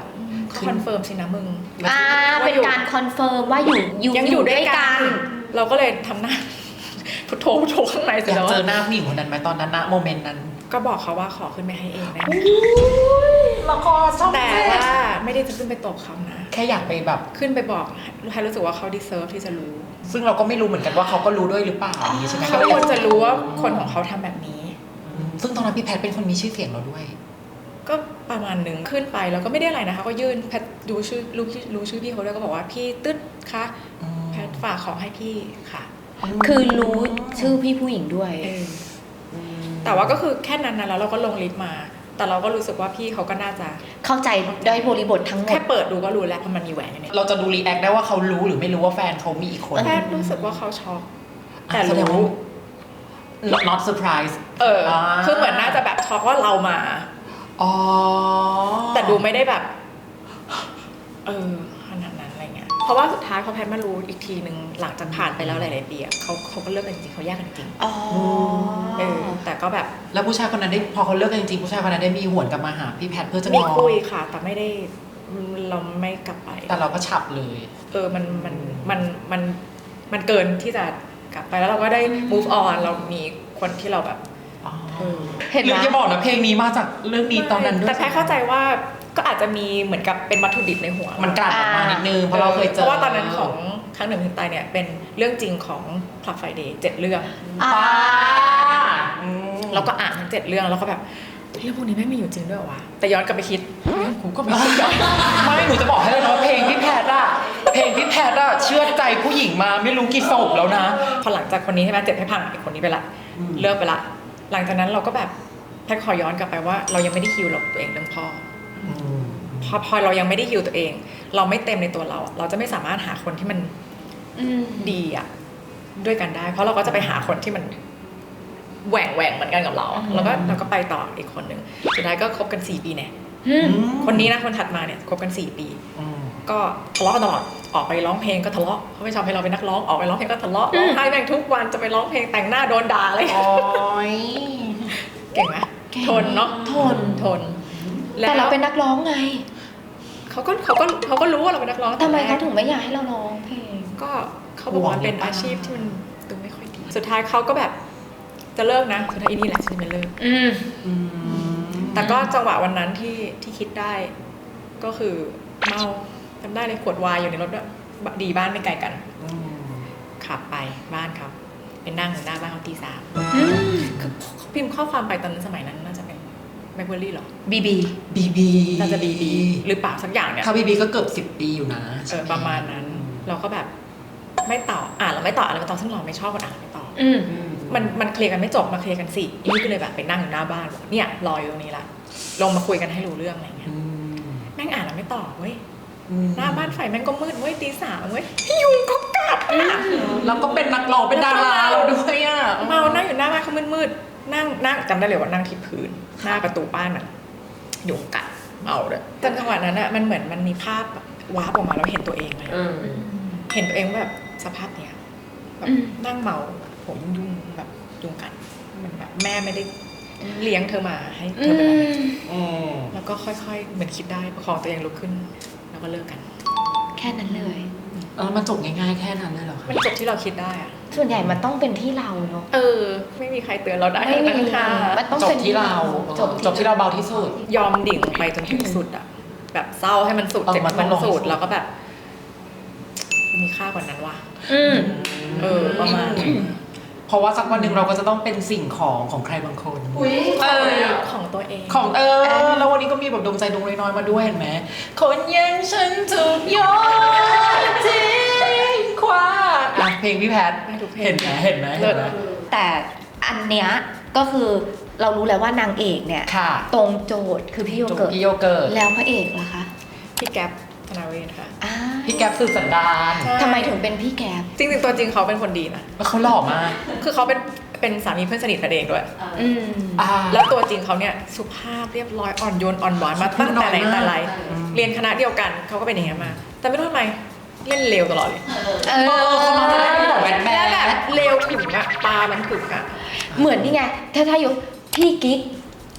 Speaker 1: คอนเฟิร์มสินะมึง
Speaker 3: อ่าเป็นการคอนเฟิร์มว่าอยู่อยู่
Speaker 1: ยังอยู่ด้วยกัน เราก็เลยทำหน้า พุทโธพุทโธข้างในเสร็
Speaker 2: อ
Speaker 1: จ
Speaker 2: ยาก
Speaker 1: แล้ว
Speaker 2: เจอหน้าผู้หญิงคนนั้นไหมตอนนั้นนะโมเมนต์นั้น
Speaker 1: ก็บอกเขาว่าขอขึ้นไปให้เองได้ไหม
Speaker 2: ละครช่อง
Speaker 1: แต่
Speaker 2: เจ็ด
Speaker 1: ว่าไม่ได้จะขึ้นไปตบเขานะ
Speaker 2: แค่อยากไปแบบ
Speaker 1: ขึ้นไปบอกให้รู้สึกว่าเขาดีเซิร์ฟที่จะรู้
Speaker 2: ซึ่งเราก็ไม่รู้เหมือนกันว่าเขาก็รู้ด้วยหรือเปล่าอย่างนี้ใช่ไหม
Speaker 1: เขาควรจะรู้ว่าคนของเขาทำแบบนี้
Speaker 2: อืมซึ่งตอนนั้นพี่แพทเป็นคนมีชื่อเสียงเราด้วย
Speaker 1: ก็ประมาณหนึ่งขึ้นไปแล้วก็ไม่ได้อะไรนะคะก็ยื่นแพทดูชื่อรู้รู้ชื่อพี่เขาด้วยก็บอกว่าพี่ตึ๊ดคะแพทฝากของให้พี่ค่ะ
Speaker 3: คือรู้ชื่อพี่ผู้หญิงด้วย
Speaker 1: เออแต่ว่าก็คือแค่นั้นนะแล้วเราก็ลงลิฟต์มา แต่เราก็รู้สึกว่าพี่เขาก็น่าจะ
Speaker 3: เข้าใจได้บริบททั้งหม
Speaker 1: แค่
Speaker 3: ด
Speaker 1: เปิดดูก็รู้แล้วเพราะมันมีแหวนอยู่เนี่ย
Speaker 2: เราจะดูรีแอคได้ว่าเขารู้หรือไม่รู้ว่าแฟนเขามีอีกคน
Speaker 1: แพทรู้สึกว่าเขาช็อก
Speaker 2: อ่ะ
Speaker 1: แต่
Speaker 2: แสดง
Speaker 1: รู้
Speaker 2: ว่า not surprise
Speaker 1: เอออา คือเหมือนน่าจะแบบช็อกว่าเรามา
Speaker 2: อ๋อ
Speaker 1: แต่ดูไม่ได้แบบ เออขนาดนั้นอะไรเงี้ย เพราะว่าสุดท้ายพอแพทมารู้อีกทีหนึ่งหลังจากผ่านไปแล้วหลายๆปีอะเขาเขาก็เลิกกันจริงเขาแยกกันจริง
Speaker 3: อ๋อ
Speaker 1: เออแต่ก็แบบ
Speaker 2: แล้วผู้ชายคนนั้นได้พอเขาเลิกกันจริงๆผู้ชายคนนั้นได้มีหวนกลับมาหาพี่แพทเพื่อจะ
Speaker 1: มี
Speaker 2: ง้อ
Speaker 1: คุยค่ะ แต่ไม่ได้เราไม่กลับไป
Speaker 2: แต่เราก็ฉับเลย
Speaker 1: เออมันมันมันมันมันเกินที่จะกลับไปแล้วเราก็ได้ move on เรามีคนที่เราแบบ
Speaker 2: อ๋อ
Speaker 1: เออ
Speaker 3: เห็นไหม
Speaker 2: หรือจะบอกนะเพลงนี้มาจากเรื่องนี้ตอนนั้นด้วย
Speaker 1: แต่แพทเข้าใจว่าก็อาจจะมีเหมือนกับเป็นวัตถุดิบในหัว
Speaker 2: มันกลั่นออกมานิดนึงเพราะเราเคยเจอ
Speaker 1: เพราะว่าตอนนั้นของครั้งหนึ่งถึงตายเนี่ยเป็นเรื่องจริงของ Club Friday เจ็ดเรื่อง
Speaker 3: อ่า
Speaker 2: ป้าอืม
Speaker 1: เราก็อ่านทั้งเจ็ดเรื่องแล้วก็แบบเรื่องพวกนี้ไม่มีอยู่จริงด้วยเหรอวะแต่ย้อนกลับไปคิดเรื่องกูก็ไม่คิด
Speaker 2: ไม่หนูจะบอกให้เลยนะว่าเพลงพี่แพทอะเพลงพี่แพทอะเชื่อใจผู้หญิงมาไม่รู้กี่ศพแล้วนะ
Speaker 1: พอหลังจากคนนี้ใช่ไหมเจ็บให้พังอีกคนนี้ไปละ
Speaker 2: อืม
Speaker 1: เลิกไปละหลังจากนั้นเราก็แบบแพทย์ขอย้อนกลับไปว่าเรายังไม่ได้ฮิวหรอกตัวเองเรื่องพ่อ
Speaker 2: อืม
Speaker 1: พอพอเรายังไม่ได้ฮิวตัวเอง เราไม่เต็มในตัวเราอะเราจะไม่สามารถหาคนที่มัน
Speaker 3: อืม
Speaker 1: ดีอะด้วยกันได้ เพราะเราก็จะไปหาคนที่มันแหว่งแหว่งเหมือนกันกับเรา
Speaker 3: อืม
Speaker 1: แล้วก็เราก็ไปต่ออีกคนหนึ่งสุดท้ายก็คบกันสี่ปีเนี่ย
Speaker 3: อืม
Speaker 1: คนนี้นะคนถัดมาเนี่ยคบกันสี่ปี
Speaker 2: อืม
Speaker 1: ก็ทะเลาะกันตลอดออกไปร้องเพลงก็ทะเลาะเขาไม่ชอบให้เราเป็นนักร้องออกไปร้องเพลงก็ทะเลาะร้องไห้แม่งทุกวันจะไปร้องเพลงแต่งหน้าโดนด่าอะไร
Speaker 2: โอ้ย
Speaker 1: เก่งไหม
Speaker 3: เก่ง
Speaker 1: ทนเนาะ
Speaker 3: ทน
Speaker 1: ทน
Speaker 3: แต่เราเป็นนักร้องไง
Speaker 1: เขาก็เขาก็เขาก็รู้ว่าเราเป็นนักร้อง
Speaker 3: ทำไม
Speaker 1: แต่แร
Speaker 3: เขา
Speaker 1: ก
Speaker 3: ถึงไม่อยากให้เราร้องเพลง
Speaker 1: ก็เขาบอกว่ามันเป็นอาชีพที่มันดูไม่ค่อยดี สุดท้ายเขาก็แบบจะเลิกนะสุดท้ายอีนี่แหละฉันจะไม่เลิก
Speaker 3: อืม
Speaker 2: อืม
Speaker 1: แต่ก็จังหวะวันนั้นที่ที่คิดได้ ก็คือเมาจำได้เลยขวดวายอยู่ในรถด้วยดีบ้านไม่ไกลกัน
Speaker 2: อืม
Speaker 1: ขับไปบ้านเขาไปนั่งอยู่หน้าบ้านเขาตีสาม
Speaker 3: อืม
Speaker 1: คือพิมพ์ข้อความไปตอนนั้นสมัยนั้นน่าจะเป็นแบล็คเบอร์รี่หรอ
Speaker 3: บีบี
Speaker 2: บีบี
Speaker 1: น่าจะบีบีหรือเปล่าสักอย่างเนี่ย
Speaker 2: ถ้าบีบีก็เกือบสิบปีอยู่นะ
Speaker 1: เออประมาณนั้น เราก็แบบไม่ตอบอ่านเราไม่ตอบอะไรไม่ตอบซึ่งเราไม่ชอบคนอ่านไม่ตอบ
Speaker 3: อืม
Speaker 2: อืม
Speaker 1: มันมันเคลียร์กันไม่จบมาเคลียร์กันสิอีนี่ก็เลยแบบไปนั่งอยู่หน้าบ้านบอกเนี่ยรออยู่ตรงนี้ละลงมาคุยกันให้รู้เรื่องอะไรเงี้ย
Speaker 2: อืม
Speaker 1: แม่งอ่านแล้วไม่ตอบเว้ย
Speaker 2: อืม
Speaker 1: หน้าบ้านไฟแม่งก็มืดเว้ยตีสามเว้ยยุงก็กัดอ่ะ
Speaker 2: แล้วก็เป็นนักร้องเป็นดาราเราด้วยอ่ะ
Speaker 1: เมานั่งอยู่หน้าบ้านเขามืดๆนั่งนั่งจำได้เลยว่านั่งที่พื้นหน้าประตูบ้านอ่ะยุงกัดเมาเลยจนจังหวะนั้นอ่ะมันเหมือนมันมีภาพแบบวาร์ปออกมาแล้วเห็นตัวเองเลย
Speaker 2: อืม
Speaker 1: เห็นตัวเองว่าแบบสภาพเนี้ยแบบ
Speaker 3: อืม
Speaker 1: นั่งเมาผมยุ่งๆแบบยุงกัดมันแบบแม่ไม่ได้เลี้ยงเธอมาให้เธ
Speaker 3: อื
Speaker 1: อเป็นแบบนี้
Speaker 3: ม
Speaker 2: อืม
Speaker 1: แล้วก็ค่อยๆ เหมือนคิดได้ประคองตัวเองลุกขึ้น แล้วก็เลิกกัน
Speaker 3: แค่นั้นเลย
Speaker 2: แล้วมันจบง่ายๆแค่นั้นเลยเหรอคะ
Speaker 1: มันจบที่เราคิดได้อะ
Speaker 3: ส่วนใหญ่มันต้องเป็นที่เราเนาะ
Speaker 1: เออ ไม่มีใครเตือนเราได้
Speaker 3: ไม่
Speaker 1: ทั้ง
Speaker 3: มี
Speaker 1: นั้นค่ะ
Speaker 3: มันต้อง
Speaker 2: จบ
Speaker 3: เป็น
Speaker 2: ที่เรา
Speaker 3: จบ
Speaker 2: จบที่เราเบาที่สุด
Speaker 1: ยอมดิ่งไปจนถึงสุดอะแบบเศร้าให้มันสุด
Speaker 2: เออ
Speaker 1: เจ็บ
Speaker 2: มันต้
Speaker 1: มั
Speaker 2: อง
Speaker 1: น
Speaker 2: ลง
Speaker 1: สุด
Speaker 2: สุด
Speaker 1: แล้วก็แบบ มีค่ากว่านั้นว่ะ
Speaker 3: อืม
Speaker 1: เออประมาณ
Speaker 2: เพราะว่าสักวันหนึ่งเราก็จะต้องเป็นสิ่งของของใครบางคน
Speaker 1: เออของตัวเอง
Speaker 2: ของเออ แล้ววันนี้ก็มีแบบดวงใจดวงน้อยๆมาด้วยเห็นไหมคนอยังฉันถูกโยนทิ้งขว้างอ่ะเพลงพี่แพท
Speaker 1: ได้ทุกเพลง
Speaker 2: เห็นไหมเห็นไหม
Speaker 1: เลิ
Speaker 2: เห็
Speaker 1: ศ
Speaker 2: นไหม
Speaker 3: แต่อันเนี้ยก็คือเรารู้แล้วว่านางเอกเนี่ย
Speaker 2: ค่ะ
Speaker 3: ตรงโจทย์คือพี่โย
Speaker 2: จบ
Speaker 3: เกิร์ต
Speaker 2: พี่โยเกิร์ต
Speaker 3: แล้วพระเอกล่ะคะ
Speaker 1: พี่แก๊ปธนาเวชค่ะ
Speaker 3: อ่า
Speaker 2: พี่แก๊ปสื่อสันดาน
Speaker 1: ใช่
Speaker 3: ทำไมถึงเป็นพี่แก๊ป
Speaker 1: จริงๆตัวจริงเขาเป็นคนดีนะ
Speaker 2: แล้วเขาหล่อมาก
Speaker 1: คือเขาเป็นเป็นสามีเพื่อนสนิทกันเองด้วย
Speaker 3: อืม
Speaker 2: อ่า
Speaker 1: แล้วตัวจริงเขาเนี่ยสุภาพเรียบร้อยอ่อนโยนอ่อนหวานมาตั้งแต่ไหนแต่ไร
Speaker 2: อืม
Speaker 1: เรียนคณะเดียวกันเขาก็เป็นอย่างนี้ยมา แต่ไม่รู้ทำไมเล่นเลวตลอดเลย
Speaker 3: เอ
Speaker 2: เออเขามาจะได้เป็นแบบแบดแบ
Speaker 1: แล้วแบบ
Speaker 2: ด
Speaker 1: เลวถึงอะตามันถึงอะ
Speaker 3: เหมือนนี่ไง ถ้าถ้ายกพี่กิ๊ก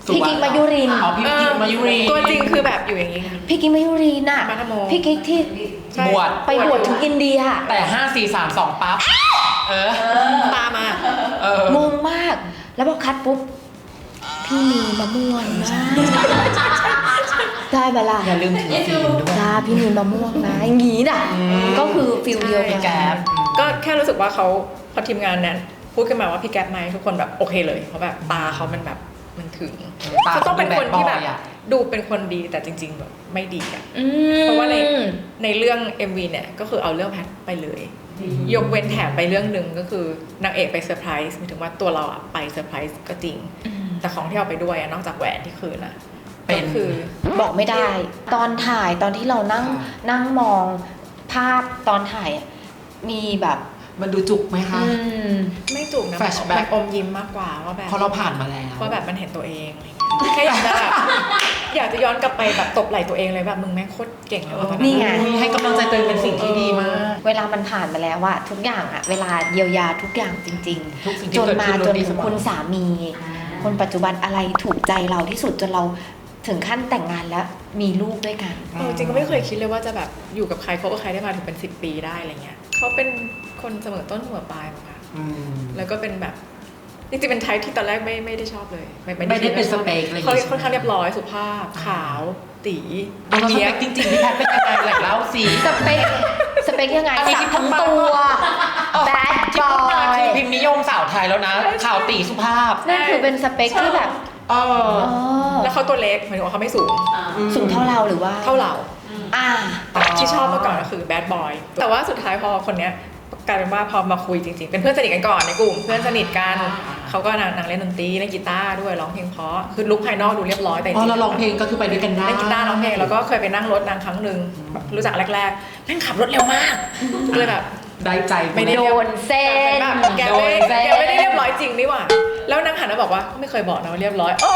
Speaker 3: พี่กิ๊กมายุรินทร์
Speaker 2: อ๋อพี่กิ๊กมายุรี
Speaker 1: ตัวจริงคือแบบอยู่อย่างนี้ค่ะ
Speaker 3: พี่กิ๊กมายุรินทร์น่ะ
Speaker 1: มาทโม
Speaker 3: พี่กิ๊กที่
Speaker 1: ใช่
Speaker 2: บวช
Speaker 3: ไปบวชถึงอินเดีย
Speaker 2: แต่ห้าสี่สามสองปั๊บเออ
Speaker 1: ตามมา
Speaker 2: เออง
Speaker 3: งมาก แล้วพอคัดปุ๊บ พี่มีมะม่วงนะได้เวลา
Speaker 2: อย่าลืมถือศีลด้วย
Speaker 3: จ้าพี่มีมะม่วงนะอย่างงี้น่ะ
Speaker 2: อืม
Speaker 3: ก็คือฟิลเดียว
Speaker 2: พี่
Speaker 3: กัน
Speaker 2: แก๊ป
Speaker 1: ก็แค่รู้สึกว่าเขาพอทีมงานนั้นพูดขึ้นมาว่าพี่แก๊ปไหมทุกคนแบบโอเคเลยเพราะแบบตาเขามันแบบมันถึง
Speaker 2: ตา
Speaker 1: เขาต้องเป็นคนที่แบบ
Speaker 2: เขาดูแบดบอยอะ
Speaker 1: ดูเป็นคนดีแต่จริง ๆ แบบไม่ดีอ่ะ
Speaker 3: อืม
Speaker 1: เพราะว่าในในเรื่อง เอ็ม วี เนี่ยก็คือเอาเรื่องแพทไปเลย ยกเว้นแถมไปเรื่องหนึ่งก็คือนางเอกไปเซอร์ไพรส์หมายถึงว่าตัวเราอะไปเซอร์ไพรส์ก็จริง
Speaker 3: อืม
Speaker 1: แต่ของที่เอาไปด้วยอะนอกจากแหวนที่คืนอะ
Speaker 2: เป็น
Speaker 1: ก็คือ
Speaker 3: บอกไม่ได้ ตอนถ่ายตอนที่เรานั่ง
Speaker 2: ค่ะ
Speaker 3: นั่งมองภาพตอนถ่ายอะมีแบบ
Speaker 2: มันดูจุกไหมคะ
Speaker 3: อืม
Speaker 1: ไม่จุกนะ
Speaker 2: Flashback
Speaker 1: มันอมยิ้มมากกว่าว่าแบบ
Speaker 2: เพราะเราผ่านมาแล้ว
Speaker 1: ว่าแบบมันเห็นตัวเองอะไรเงี้ยแค่อยากจะแบบอยากจะย้อนกลับไปแบบตบไหล่ตัวเองเลยแบบมึงแม่งโคตรเก่งเลยว่ะตอ
Speaker 3: นี่ไง
Speaker 2: อุ๊ยให้กำลังใจตัวเองเป็นสิ่งที่ดีมาก
Speaker 3: เวลามันผ่านมาแล้วอะทุกอย่างอะเวลาเยียวยาทุกอย่างจริง
Speaker 2: ทุกสิ่ง
Speaker 3: ๆ
Speaker 2: ที่
Speaker 3: จน
Speaker 2: เกิด
Speaker 3: มา
Speaker 2: ขึ้น
Speaker 3: จน
Speaker 2: ดี
Speaker 3: ถึ
Speaker 2: เส
Speaker 3: ง
Speaker 2: มอ
Speaker 3: คุณสามี คนปัจจุบันอะไรถูกใจเราที่สุดจนเราถึงขั้นแต่งงานแล้วมีลูกด้วยกัน
Speaker 1: เออจริงก็ไม่เคยคิดเลยว่าจะแบบอยู่กับใครคบกับใครได้มาถึงเป็นสิบปีได้อะไรเงี้ยเขาเป็นคนเสมอต้นเสมอปลายมาค่ะ
Speaker 2: อืม
Speaker 1: แล้วก็เป็นแบบจริงๆเป็นไทป์ที่ตอนแรกไม่ไม่ได้ชอบเลย
Speaker 2: ไม่ได้เป็นสเปคอะไรอย่าง
Speaker 1: เขา
Speaker 2: งี้ใช่ไหม
Speaker 1: ค่อนข้างเรียบร้อยสุภาพขาวตี
Speaker 2: แล้วส
Speaker 1: เนี้
Speaker 2: เป
Speaker 1: ย
Speaker 2: คจริงๆพี่แพทเป็นยังไงแหล่งเล่าสิ
Speaker 3: สเปคสเปคยังไง
Speaker 2: อันนี้
Speaker 3: สัก
Speaker 2: ที่
Speaker 3: ทั้ง
Speaker 2: พูดมา
Speaker 3: ตัว แบดบ
Speaker 2: ที่
Speaker 3: อ
Speaker 2: พูดมาย คือพิมพ์นิยมสาวไทยแล้วนะ
Speaker 1: ใช่
Speaker 2: ข่าวตีสุภาพ
Speaker 3: นั่นคือเป็นสเปคที่แบบ
Speaker 2: เออ
Speaker 3: อ๋อ
Speaker 1: แล้วเขาตัวเล็กหมายถึงว่าเขาไม่สูง
Speaker 3: สูงเท่าเราหรือว่า
Speaker 1: เท่าเรา
Speaker 3: อ่า
Speaker 1: แต่ที่ชอบเมื่อก่อนก็คือแบดบอยแต่ว่าสุดท้ายพอคนเนี้ยกลายเป็นว่าพอมาคุยจริงๆ เป็นเพื่อนสนิทกันก่อนในกลุ่มเพื่อนสนิทกันเขาก็นางนางเล่นดนตรีเล่นกีตาร์ด้วยร้องเพลงเพราะคือลุคภายนอกดูเรียบร้อยแต่จ
Speaker 2: พอ
Speaker 1: ริงๆ
Speaker 2: เราร้องเพลงก็คือไปด้วยกันได้
Speaker 1: เล่นกีตาร์ร้องเพลงแล้วก็เคยไปนั่งรถนางครั้งหนึ่งแบบรู้จักแรกๆแม่งขับรถเร็วมากก็เลยแบบ
Speaker 2: ได้ใจ
Speaker 1: ไม่ได้
Speaker 3: โดนเส้น
Speaker 1: แบบแก
Speaker 2: โด
Speaker 1: ไม่
Speaker 2: นแซะ
Speaker 1: แกไม่ได้เรียบร้อยจริงนี่หว่าแล้วนางหันมาบอกว่าไม่เคยบอกนะว่าเรียบร้อยโอ้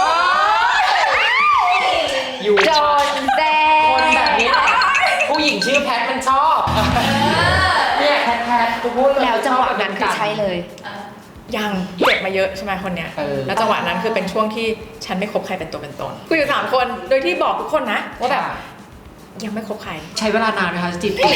Speaker 2: อยู่
Speaker 3: โดนเส้
Speaker 2: คน
Speaker 3: น
Speaker 2: แบบนี้แหละผู้หญิงชื่อแพทมันชอบเนี่ยแพทแพทกูพูดเย
Speaker 3: แล้วจังหวะนั้นคือใช่เลย
Speaker 1: ยังเจ็บมาเยอะใช่ไหมคนเนี้ย
Speaker 2: เออ
Speaker 1: แล้วจังหวะนั้นคือเป็นช่วงที่ฉันไม่คบใครเป็นตัวเป็นตนคุยอยู่สามคนโดยที่บอกทุกคนนะว่าแบบยังไม่คบใคร
Speaker 2: ใช้เวลานานไหมคะจีบติด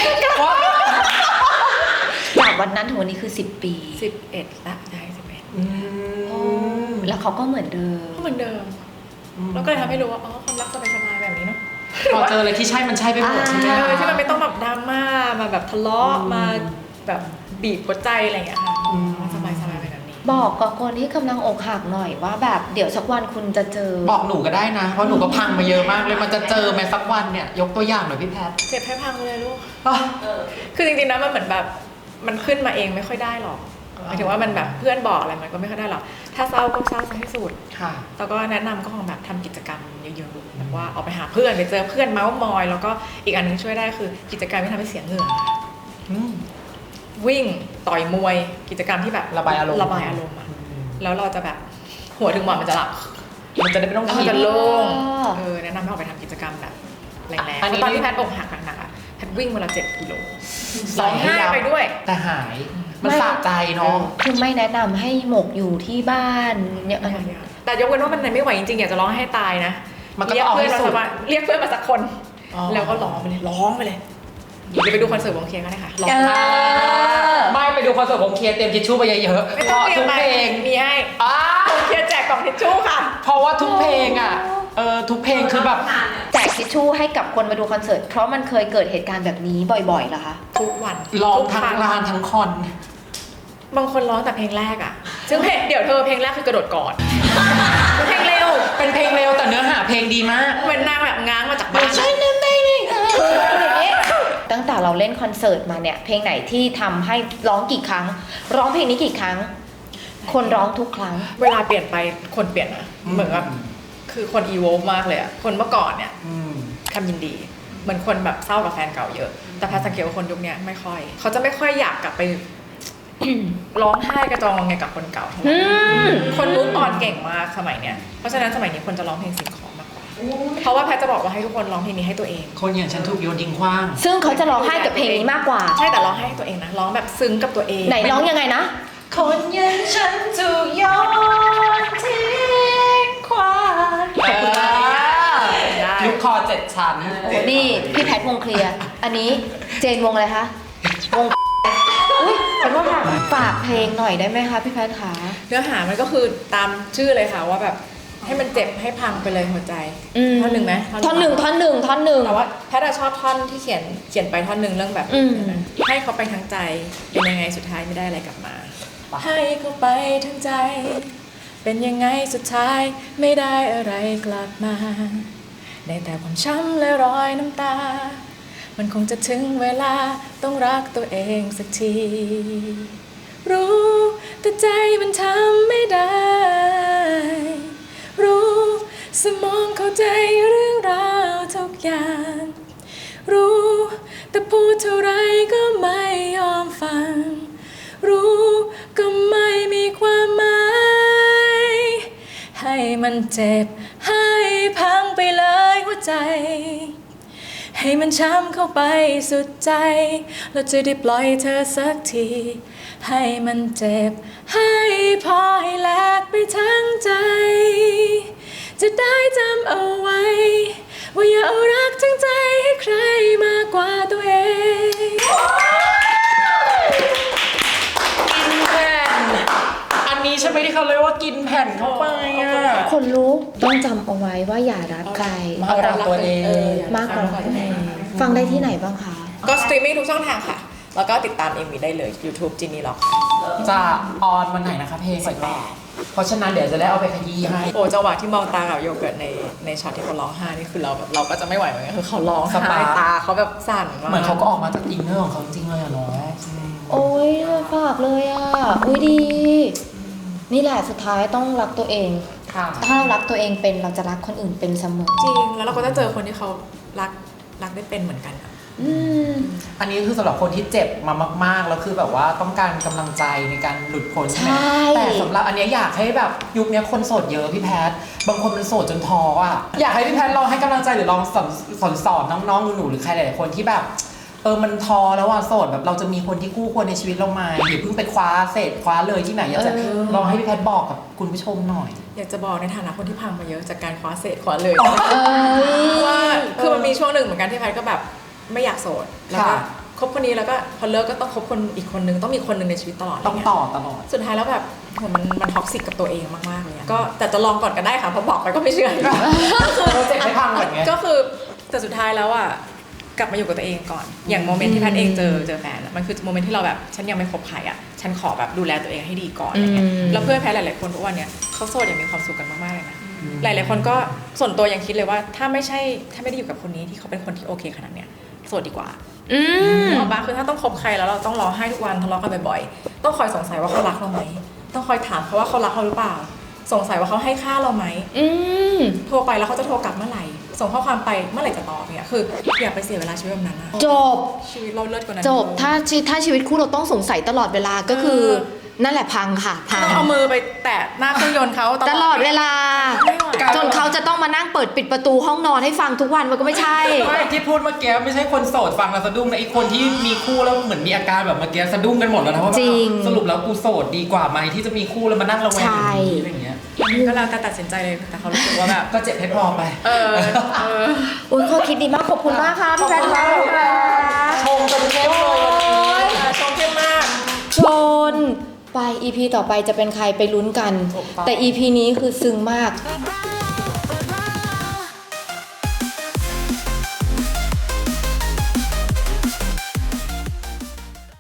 Speaker 3: จากวันนั้นถึงวันนี้คือสิบปี
Speaker 1: สิบเอ็ดละได้สิบเอ็ด
Speaker 2: อืม
Speaker 3: แล้วเขาก็เหมือนเดิม
Speaker 1: ก็เหมือนเดิมแล้วก็เลยทำให้รู้ว่าอ๋อความรักสบายๆแบบนี้เนาะ
Speaker 2: พอเจออะไรที่ใช่มันใช่ไปหมดใช่ไหม
Speaker 1: เอ
Speaker 2: คะ
Speaker 1: อที่มันไม่ต้องแบบดราม่ามาแบบทะเลาะมาแบบบีบหัวใจอะไรอย่างเงี้ยค่ะมันสบายๆไปแบบนี้
Speaker 3: บอกกับคนที่กำลังอกหักหน่อยว่าแบบเดี๋ยวสักวันคุณจะเจอ
Speaker 2: บอกหนูก็ได้นะ เพราะหนูก็พังมาเยอะมากเลยมันจะเจอไหมสักวันเนี่ยยกตัวอย่างหน่อยพี่แพท
Speaker 1: เจ็บให้พังเลยลูก
Speaker 2: อ่ะ
Speaker 1: คือจริงๆนะมันเหมือนแบบมันขึ้นมาเองไม่ค่อยได้หรอกหมายถึงว่ามันแบบเพื่อนบอกอะไรมันก็ไม่ค่อยได้หรอกถ้าเศร้าก็เศร้าซะที่สุด
Speaker 2: ค่ะ
Speaker 1: แล้วก็แนะนำก็คงแบบทำกิจกรรมเยอะๆแบบว่าออกไปหาเพื่อนไปเจอเพื่อนเมาส์มอย แล้วก็อีกอันหนึงช่วยได้คือกิจกรรมที่ทำให้เสียเหงื่อ
Speaker 2: อืม
Speaker 1: วิ่งต่อยมวยกิจกรรมที่แบบ
Speaker 2: ระบายอารมณ์
Speaker 1: ระบายอารมณ์อะแล้วเราจะแบบหัวถึงหมอนมันจะหลับ
Speaker 2: มันจะได้ไม่ต้อง
Speaker 1: แล้ว
Speaker 2: คิ
Speaker 1: มัน
Speaker 2: ด
Speaker 1: จะโล่ง
Speaker 3: อ๋อ
Speaker 1: เออแนะนำให้ออกไปทำกิจกรรมแบบแรงๆ
Speaker 2: อันนี้
Speaker 1: เพราะตอนที่แพทย์อกหักหนักๆอะแพทย์วิ่งวันละเจ็ดกิโล
Speaker 2: ใส่
Speaker 1: ร้อง
Speaker 2: ให้
Speaker 1: ไห้
Speaker 2: ยับ
Speaker 1: ไปด้วย
Speaker 2: แต่หาย มันสะใจเนาะ
Speaker 3: คือไม่แนะนำให้หมกอยู่ที่บ้านเนี่ย
Speaker 1: แต่ยกเว้นว่ามันไม่ไหวจริงๆอยากจะร้องให้ตายนะ
Speaker 2: มันก็
Speaker 1: เรีย
Speaker 2: ต้องเอา
Speaker 1: เพื่อน
Speaker 2: ให้
Speaker 1: มา
Speaker 2: สุ
Speaker 1: สั
Speaker 2: ด
Speaker 1: กวันเรียกเพื่อนมาสักคน
Speaker 2: อ๋อ
Speaker 1: แล้วก็ร้องไปเลยร้องไปเลยเดี๋ยวไปดูคอนเสิร์ตวงเคก็ได้ค่ะร้อง
Speaker 3: เออ
Speaker 2: ไม่ไปดูคอนเสิร์ตวงเคลียร์เตรียมทิชชู่ไปเยอะๆ
Speaker 1: ไม่
Speaker 2: เพ
Speaker 1: ต้อง
Speaker 2: ราะ
Speaker 1: เรีย
Speaker 2: ทุ
Speaker 1: น
Speaker 2: ก
Speaker 1: ไป
Speaker 2: เพลง
Speaker 1: มีให้
Speaker 2: อ้าว
Speaker 1: วงเคแจกกล่องทิชชู่ค่ะ
Speaker 2: เพราะว่าทุกเพลงอ่ะเออทุกเพลงคือแบบ
Speaker 3: แจกทิชชู่ให้กับคนมาดูคอนเสิร์ตเพราะมันเคยเกิดเหตุการณ์แบบนี้บ่อยๆเหรอคะ
Speaker 1: ทุกวัน
Speaker 2: ร้อง
Speaker 1: ทุก
Speaker 2: ทั้ง
Speaker 1: ครั้
Speaker 2: ลานทั้งคอน
Speaker 1: บางคนร้องแต่เพลงแรกอ่ะซึ่งเพลงเดี๋ยวเธอเพลงแรกคือกระโดดกอดเพลงเร็ว
Speaker 2: เป็นเพลงเร็วแต่เนื้อหาเพลงดีมาก
Speaker 1: เหมือนนางแบบง้างมาจากบ้าน
Speaker 2: ใช่แน่ๆเลย
Speaker 3: คืออย่างนี้ตั้งแต่เราเล่นคอนเสิร์ตมาเนี่ยเพลงไหนที่ทำให้ร้องกี่ครั้ง ร้องเพลงนี้กี่ครั้ง คนร้องทุกครั้ง
Speaker 1: เวลาเปลี่ยนไปคนเปลี่ยนนะเหมือนแบบคือคนอีโวมากเลยอ่ะคนเมื่อก่อนเนี่ย
Speaker 2: อืม
Speaker 1: คำยินดีเหมือนคนแบบเศร้ากับแฟนเก่าเยอะ แต่แพทย์สังเกตว่าคนยุคเนี้ยไม่ค่อย เขาจะไม่ค่อยอยากกลับไป ร้องไห้กระจองไงกับคนเก่าเท่าไหร่
Speaker 3: อืม
Speaker 1: คนรู้ตอนเก่งมากสมัยเนี้ยเพราะฉะนั้นสมัยนี้คนจะร้องเพลงสิ่งของมากกว่าเพราะว่าแพทย์จะบอกว่าให้ทุกคนร้องเพลงนี้ให้ตัวเอง
Speaker 2: คนอย่างฉันถูกโยนทิ้งขว้าง
Speaker 3: ซึ่งเขาจะร้องไห้กับเพลงนี้มากกว่า
Speaker 1: ใช่แต่ร้องให้ตัวเองนะร้องแบบซึ้งกับตัวเอง
Speaker 3: ไหนร้องยังไงนะ
Speaker 2: คนอย่างฉันถูกโยนทิ้งขว้างฉัน
Speaker 3: โอ้โหนี่พี่แพทวงเคลียร์อันนี้เจนวงอะไรคะวงอุ้ยขอโทษค่ะฝากเพลงหน่อยได้ไหมคะพี่แพทขา
Speaker 1: เนื้อหามันก็คือตามชื่อเลยค่ะว่าแบบให้มันเจ็บให้พังไปเลยหัวใจท่อนหนึ่งไหม
Speaker 3: ท่อนหนึ่งท่อนหนึ่งท่อนหนึ่ง
Speaker 1: แต่ว่าแพทย์อะชอบท่อนที่เขียนเขียนไปท่อนหนึ่งเรื่องแบบ
Speaker 3: อืม
Speaker 1: ให้เขาไปทั้งใจเป็นยังไงสุดท้ายไม่ได้อะไรกลับมา ให้เขาไปทั้งใจ เป็นยังไงสุดท้ายไม่ได้อะไรกลับมาได้แต่ความช้ำและรอยน้ำตา มันคงจะถึงเวลาต้องรักตัวเองสักที รู้แต่ใจมันทำไม่ได้ รู้สมองเข้าใจเรื่องราวทุกอย่าง รู้แต่พูดเท่าไรก็ไม่ยอมฟัง รู้ก็ไม่มีความหมาย ให้มันเจ็บให้พังไปเลยหัวใจ ให้มันช้ำเข้าไปสุดใจแล้วจะได้ปล่อยเธอสักที ให้มันเจ็บให้พอให้แลกไปทั้งใจ จะได้จำเอาไว้ ว่าอย่าเอารักทั้งใจให้ใครมากกว่าตัวเอง
Speaker 2: กินแผ่นอันนี้ใช่ไหมที่เขาเรียกว่ากินแผ่นเข้าไปอ่ะ
Speaker 3: คนรู้ต้องจำเอาไว้ว่าอย่ารักใคร
Speaker 2: มากกว่าตัวเอง
Speaker 3: มากกว่าตัวเองฟังได้ที่ไหนบ้างคะ
Speaker 1: ก็สตรีมมิ่งทุกช่องทางค่ะ แล้วก็ติดตาม เอ็ม วี ได้เลย YouTube จินนี่ล็อก
Speaker 2: จะออนวันไหนนะคะเพลงก่อนแม่เพราะฉะนั้นเดี๋ยวจะได้เอาไปขยี้ให้
Speaker 1: โอ้จังหวะที่มองตากับโยเกิร์ตในในช็อตที่เขาร้องไห้นี่คือเราแบบเราก็จะไม่ไหวเหมือนกันคือเขาร้องสบายตาเขาแบบสั่นมาก
Speaker 2: เหมือนเขาก็ออกมาจากอินเนอร์ของเขาจริงเลยอะเนาะ
Speaker 3: โอ้ยฝากเลยอ่ะ อุ้ยดี นี่แหละสุดท้ายต้องรักตัวเอง
Speaker 2: ค่ะ
Speaker 3: ถ้าเรารักตัวเองเป็นเราจะรักคนอื่นเป็นเสมอ
Speaker 1: จริงแล้วเราก็จะเจอคนที่เขารักรักได้เป็นเหมือนกันอะ
Speaker 3: อืม
Speaker 2: อันนี้คือสำหรับคนที่เจ็บมามากๆแล้วคือแบบว่าต้องการกำลังใจในการหลุดพ้นใช่ไหม
Speaker 3: ใช่
Speaker 2: แต่สำหรับอันเนี้ยอยากให้แบบยุคเนี้ยคนโสดเยอะพี่แพทบางคนมันโสดจนท้ออ่ะอยากให้พี่แพทลองให้กำลังใจหรือลองสอนสอนสอนน้องๆหนูๆหรือใครหลายๆคนที่แบบเออมันท้อแล้วอ่ะโสดแบบเราจะมีคนที่คู่ควรในชีวิตเราไหมอย่าเพิ่งไปคว้าเศษคว้าเลยที่ไหนอยากจะ
Speaker 3: เออ
Speaker 2: ลองให้พี่แพทบอกกับคุณผู้ชมหน่อย
Speaker 1: อยากจะบอกในฐานะคนที่พังมาเยอะจากการคว้าเศษคว้าเลย
Speaker 3: เอ้ย
Speaker 1: ว่าคือมันมีช่วงหนึ่งเหมือนกันที่แพทก็แบบไม่อยากโสดแล้วก็
Speaker 2: ค่ะ
Speaker 1: คบคนนี้แล้วก็พอเลิกก็ต้องคบคนอีกคนนึงต้องมีคนหนึ่งในชีวิตตลอด
Speaker 2: ต้อง
Speaker 1: ะไรเย
Speaker 2: ต่อตลอด
Speaker 1: สุดท้ายแล้วแบบโหมันมันท็อกซิกกับตัวเองมากๆเลยอะก็แต่จะลองก่อนก็ได้ค่ะเพราะบอกไปก็ไม่เชื่อ
Speaker 2: เราเจ็บไม่พังเหมือนไง
Speaker 1: ก็คือแต่สุดท้ายแล้วอ่ะกลับมาอยู่กับตัวเองก่อน อย่างโมเมนต์ที่แพทย์เองเจอเจอแฟนอะมันคือโมเมนต์ที่เราแบบฉันยังไม่คบใครอ่ะฉันขอแบบดูแลตัวเองให้ดีก่อนอะไรเงี้ย
Speaker 3: อืม
Speaker 1: แล้วเพื่อนแพทย์หลายๆคนทุกวันเนี้ยเขาโสดอย่างมีความสุขกันมากๆเลยนะหลายๆคนก็ส่วนตัวยังคิดเลยว่าถ้าไม่ใช่ถ้าไม่ได้อยู่กับคนนี้ที่เขาเป็นคนที่โอเคขนาดเนี้ยโสดดีกว่า
Speaker 3: อืม
Speaker 1: ออกมาคือถ้าต้องคบใครแล้วเราต้องร้องไห้ทุกวันทะเลาะกันบ่อยๆต้องคอยสงสัยว่าเขารักเราไหมต้องคอยถามเขาว่าเขารักเราหรือเปล่า สงสัยว่าเขาให้ค่าเราไหม
Speaker 3: อืม
Speaker 1: โทรไปแล้วเขาจะโทรกลับเมื่อไหร่ ส่งข้อความไปเมื่อไหร่จะตอบเนี่ยคืออย่าไปเสียเวลาชีวิตแบบนั้นนะ
Speaker 3: จบ
Speaker 1: ชีวิตเราเลิศกว่านั้น
Speaker 3: จบ ถ้าชีถ้าชีวิตคู่เราต้องสงสัยตลอดเวลาก็คือ
Speaker 1: เออ
Speaker 3: นั่นแหละพังค่ะพัง
Speaker 1: ต้องเอามือไปแตะหน้าเครื่องยนต์เขา
Speaker 3: ตลอดเวลา
Speaker 1: ไม่ไหว
Speaker 3: จนเขาจะต้องมานั่งเปิดปิดประตูห้องนอนให้ฟังทุกวันมันก็ไม่ใช่
Speaker 2: ไม่ที่พูดเมื่อกี้ไม่ใช่คนโสดฟังแล้วสะดุ้งนะไอ้คนที่มีคู่แล้วเหมือนมีอาการแบบเมื่อกี้สะดุ้งกันหมดแล้วนะว่าแบบ
Speaker 3: จริง
Speaker 2: สรุปแล้วกูโสดดีกว่าไหมที่จะมีคู่แล้วมานั่งระแวง
Speaker 3: ใช่
Speaker 2: อะไรอย่างเงี้ย
Speaker 1: ก็แล้วแต่ตัดสินใจเลยแต่เขารู้สึกว่าแบบ
Speaker 2: ก็เจ็บให้พอไป
Speaker 1: เออเออ
Speaker 3: โอ้ยข้อคิดดีมากขอบคุณมากค่ะพี่แพทย์ค่ะ
Speaker 2: ชงจนเข้มเลยวันนี้
Speaker 1: ชมเข้มมาก
Speaker 3: ชนไป อี พี ต่อไปจะเป็นใครไปลุ้นกัน
Speaker 2: ถูกต้อง
Speaker 3: แต่ อี พี นี้คือซึ้งมาก
Speaker 4: Bye.